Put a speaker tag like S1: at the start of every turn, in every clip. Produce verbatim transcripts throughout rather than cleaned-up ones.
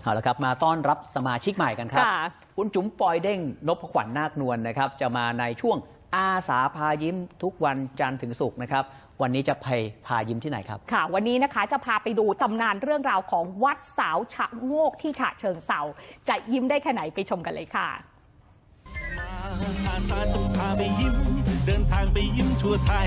S1: เอาละครับมาต้อนรับสมาชิกใหม่กันครับคุณจุ๋มปอยเด้งนพขวัญนาคนวลนะครับจะมาในช่วงอาสาพายิ้มทุกวันจันทร์ถึงศุกร์นะครับวันนี้จะไปพายิ้มที่ไหนครับ
S2: ค่ะวันนี้นะคะจะพาไปดูตำนานเรื่องราวของวัดสาวชะโงกที่ฉะเชิงเทราจะยิ้มได้แค่ไหนไปชมกันเลยค่ะ
S3: อาสาจะพาไปยิ้มเดินทางไปยิ้มทั่วไทย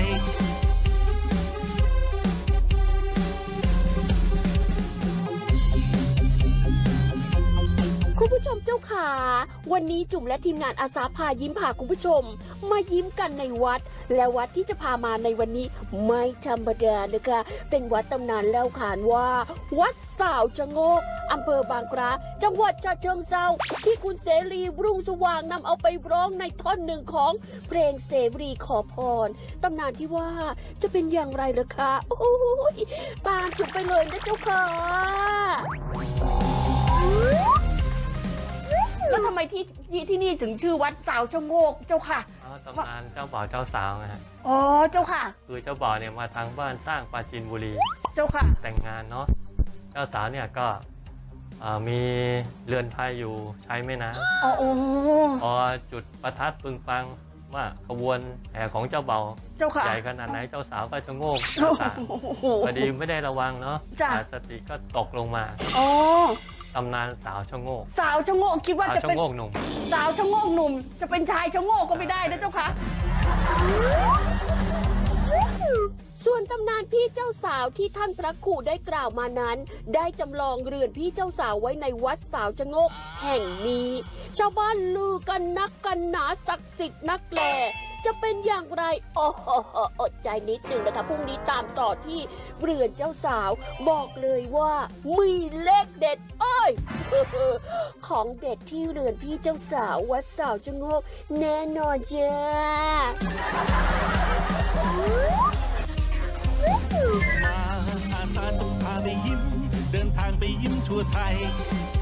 S4: คุณผู้ชมเจ้าขาวันนี้จุ๋มและทีมงานอาสาพายิ้มพาคุณผู้ชมมายิ้มกันในวัดและวัดที่จะพามาในวันนี้ไม่ธรรมดานะคะเป็นวัดตำนานเล่าขานว่าวัดสาวชะโงกอำเภอบางกระจังหวัดฉะเชิงเทราที่คุณเสรีรุ่งสว่างนำเอาไปร้องในท่อนหนึ่งของเพลงเสรีขอพรตำนานที่ว่าจะเป็นอย่างไรล่ะคะโอ้ยตามจุ๋มไปเลยนะเจ้าค่ะแล้วทำไมที่ที่นี่ถึงชื่อวัดสาวชะโงกเจ้าค่ะ
S5: อ๋อตำนานเจ้าบ่าวเจ้าสาวไงฮะ
S4: อ๋อเจ้าค่ะ
S5: คือเจ้าบ่าวเนี่ยมาทางบ้านสร้างปราจีนบุรี
S4: เจ้าค่ะ
S5: แต่งงานเนาะเจ้าสาวเนี่ยก็มีเรือนไทยอยู่ใช้ไม่นะ
S4: อ๋อ
S5: พอจุดประทัดปึงปังว่าขบวนแห่ของเจ้าบ่าวใหญ่ขนาดไหนเจ้าสาวก็ชะโงกพอดีไม่ได้ระวังเนาะสติก็ตกลงมา
S4: อ๋อ
S5: ตำนานสาวชะโงก
S4: สาวชะโงกคิดว่าจะเป็น
S5: สาวชะโงกหนุ่ม
S4: สาวชะโงกหนุ่มจะเป็นชายชะโงกก็ไม่ได้นะเจ้าค่ะส่วนตำนานพี่เจ้าสาวที่ท่านพระครูได้กล่าวมานั้นได้จำลองเรือนพี่เจ้าสาวไว้ในวัดสาวชะโงกแห่งนี้ชาวบ้านลือกันนักกันหนาศักดิ์สิทธิ์นักแลจะเป็นอย่างไรโอ้โหอดใจนิดหนึ่งนะคะพรุ่งนี้ตามต่อที่เรือนเจ้าสาวบอกเลยว่ามีเลขเด็ดเอ้ยของเด็ดที่เรือนพี่เจ้าสาววัดสาวชะโงกแน่นอนจ้า
S3: อาสาจะพาไปยิ้มเดินทางไปยิ้มทั่วไทย